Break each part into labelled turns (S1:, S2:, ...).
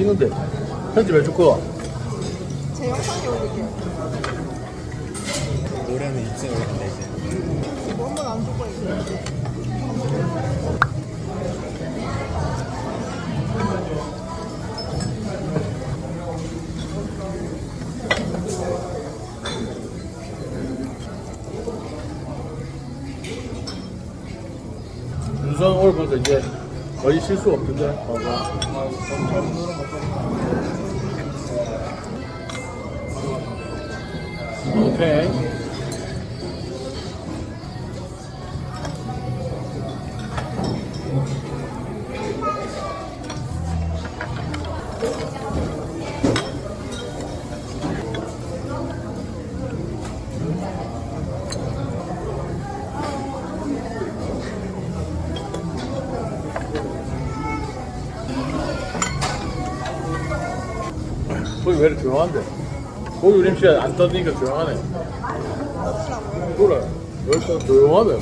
S1: 찍는데 편집해 줄 거야.
S2: 제 영상에 올릴게요.
S3: 노래는 입술에 올린다 이제.
S2: 뭐 한번 안 줄 거예요.
S1: 윤성 오늘 보니까 이제 거의 실수 없던데. 오케이. 거기 왜 이렇게 조용한데? 거기 우림씨 안 떠드니까 조용하네. 그래. 여기서 조용하네.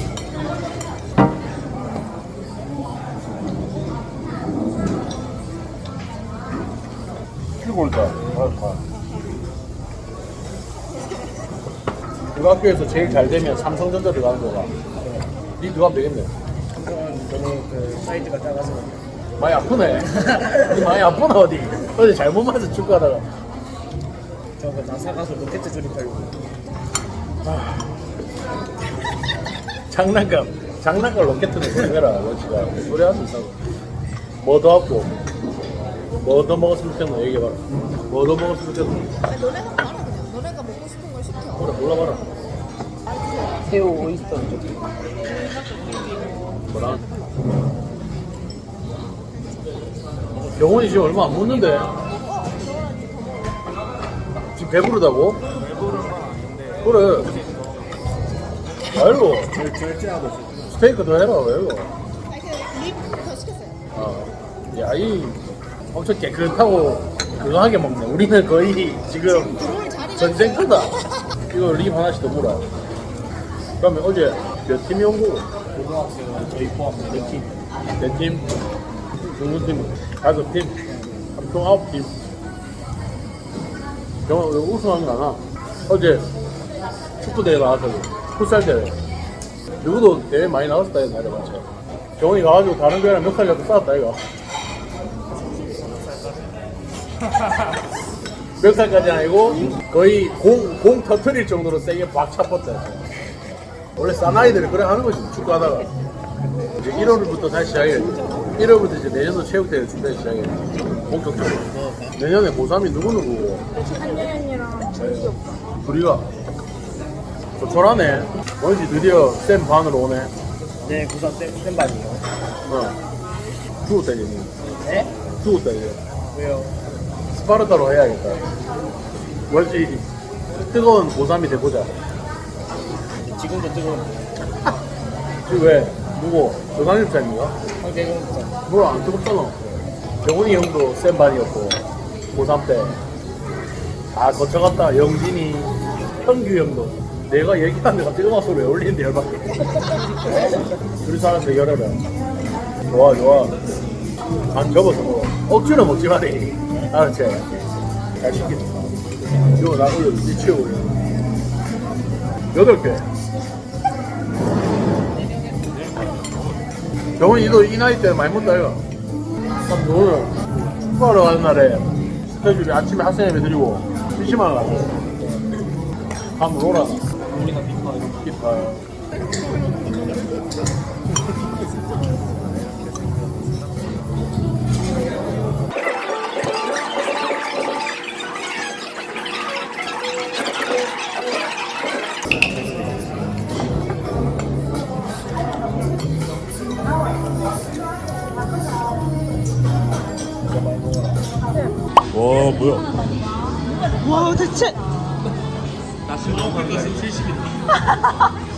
S1: 피골다. 우리 학교에서 제일 잘 되면 삼성전자 들어가는 거가. 니 들어가면 되겠네.
S3: 너무 그 사이즈가 작아서.
S1: 많이 아프네. 니 많이 아프나 어디? 어제 잘못 맞아 축구하다가.
S3: 저거 다 사가서 로켓 조립하려고.
S1: 장난감 로켓을 조립해라. 원치가 소리 하지 있다고. 뭐 더 하고 뭐 더 먹었으면 좋겠노 얘기해봐라. 뭐 더 먹었으면 좋겠노.
S2: 아니, 너네가 말아 그냥. 너네가 먹고 싶은 걸 시켜.
S1: 그래 골라봐라.
S3: 새우 오이스터 저기.
S1: 뭐라? 영원이 지금 얼마 안 먹는데? 지금 배부르다고?
S3: 배부른 건 아닌데.
S1: 그래. 아이고
S3: 절제하고 있어.
S1: 스테이크 더 해라 왜 이거?
S2: 아니, 립더 시켰어요.
S1: 야이 엄청 깨끗하고 건강하게 먹네. 우리는 거의 지금
S2: 들어올 자리가
S1: 전쟁터다. 이거 립 하나씩 더 물어. 그러면 어제 몇 팀이 온 거고?
S3: 고등학생은 저희 포함 4팀.
S1: 네 팀? 중국 팀 5팀? 총 9팀. 영화 우승한 거 하나? 어제 축구 대회 나왔거든. 풋살 대회. 누구도 대회 많이 나왔었다 이거 맞아 맞아. 경훈이 가가지고 다른 교회랑 몇 살이라도 싸웠다 이거. 몇 살까지 아니고 거의 공 터트릴 정도로 세게 박 차뻗다. 원래 사나이들이 그래 하는 거지 축구하다가. 이제 1월부터 다시 시작해. 1월부터 이제 내년도 체육대회 준비 시작해. 본격적으로. 내년에 고3이 누구누구고?
S2: 한예은이랑 철기 오빠.
S1: 둘이가 조촐하네. 뭔지 드디어 쌤 반으로 오네.
S3: 네, 구사 쌤 반이요.
S1: 죽었다 이제.
S3: 네?
S1: 죽었다 이제.
S3: 왜요?
S1: 스파르타로 해야겠다. 뭔지 뜨거운 고3이 돼보자.
S3: 지금도 뜨거운
S1: 지금 왜? 누구? 조상일 쌤인가?
S3: 황재경 구사.
S1: 뭘 안 뜨겁잖아. 정훈이 형도 쌤 반이었고 고3 때 다 거쳐갔다. 영진이, 현규 형도 내가 얘기한 데가 뜨거운 소리 왜 올리는데 열받게. 둘이 살아서 열어라. 좋아 좋아. 안 접어서 먹어. 억지로 먹지 마래. 알았지? 잘 시켰다. 이거 나 올려 미치고 8개. 정훈이도 이 나이 때 많이 먹다 이거. 오늘 축구하러 가는 날에 스케줄이 아침에 학생 예배 드리고 PC방 가서 한번 오라.
S3: 우리가 비파.
S1: 기타. 와 뭐야?
S2: 와, 대체.
S3: 나 슬로우 컬러스 70이다.